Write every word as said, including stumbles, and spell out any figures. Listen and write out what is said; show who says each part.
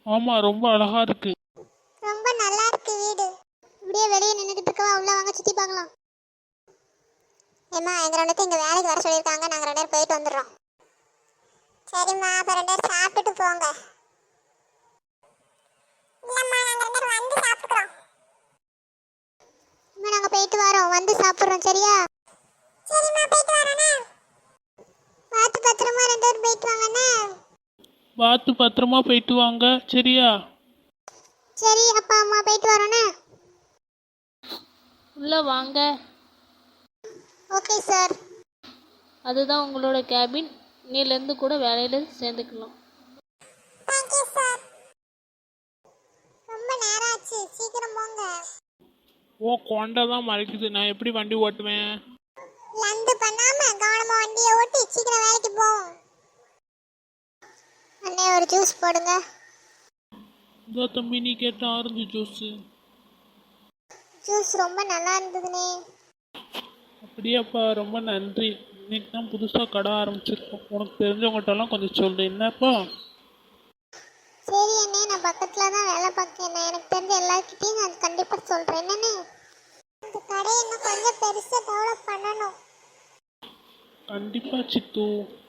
Speaker 1: ஆமாம், ரொம்ப அழகா இருக்கு.
Speaker 2: ரொம்ப நல்லா இருக்கு வீடு. இப்படியே வெளியே நின்றுட்டு இருக்கவா, உள்ள வாங்க சுற்றி பார்க்கலாம். ஏம்மா, எங்கள் ரெண்டு பேரும் இங்கே வேலைக்கு வர சொல்லியிருக்காங்க, நாங்கள் ரெண்டு பேரும் போயிட்டு வந்துடுறோம். சரிம்மா, அப்போ ரெண்டு பேரும் சாப்பிட்டுட்டு போங்க. இல்லைம்மா, நாங்கள் ரெண்டு பேரும் வந்து சாப்பிட்டுக்கிறோம். அம்மா, நாங்கள் போயிட்டு வரோம், வந்து சாப்பிட்றோம். சரியா? சரிம்மா, போயிட்டு வரோண்ணே. பார்த்து பத்திரமா ரெண்டு பேரும் போயிட்டு வாங்கண்ணே.
Speaker 1: பார்த்து பத்திரமா போயிட்டு வாங்க. சரியா?
Speaker 2: சரி அப்பா அம்மா, போயிட்டு வரோண்ணே.
Speaker 3: உள்ளே வாங்க.
Speaker 2: Okay sir.
Speaker 3: அதுதான் உங்களோட கேபின். இன்னிலேருந்து கூட வேலையில் சேர்ந்துக்கலாம்.
Speaker 2: Thank you sir. ரொம்ப நேரம் ஆச்சு, சீக்கிரம் போங்க.
Speaker 1: ஓ, கொண்டை தான் மறைக்குது. நான் எப்படி வண்டி ஓட்டுவேன்?
Speaker 2: லந்து பண்ணாம கவனமா வண்டியை ஓட்டி சீக்கிரம் வேலைக்கு போவோம். அண்ணே, ஒரு ஜூஸ் போடுங்க.
Speaker 1: இதோ தம்பி, நீ கேட்ட ஆரஞ்சு ஜூஸு.
Speaker 2: ஜூஸ் ரொம்ப நல்லா இருந்ததுண்ணே.
Speaker 1: அப்படியாப்பா, ரொம்ப நன்றி. இன்னைக்கு தான் புதுசாக கடை ஆரம்பிச்சிருக்கோம். உனக்கு தெரிஞ்சவங்ககிட்டலாம் கொஞ்சம் சொல்லு. என்னப்பா?
Speaker 2: சரி அண்ணே, நான் பக்கத்தில் தான் வேலை பார்க்கேன். எனக்கு தெரிஞ்ச எல்லாருக்கிட்டையும் நான் கண்டிப்பாக சொல்கிறேன். என்னண்ணே, இந்த கடையை இன்னும் கொஞ்சம் பெருசாக டெவலப் பண்ணணும்.
Speaker 1: கண்டிப்பாக சித்து.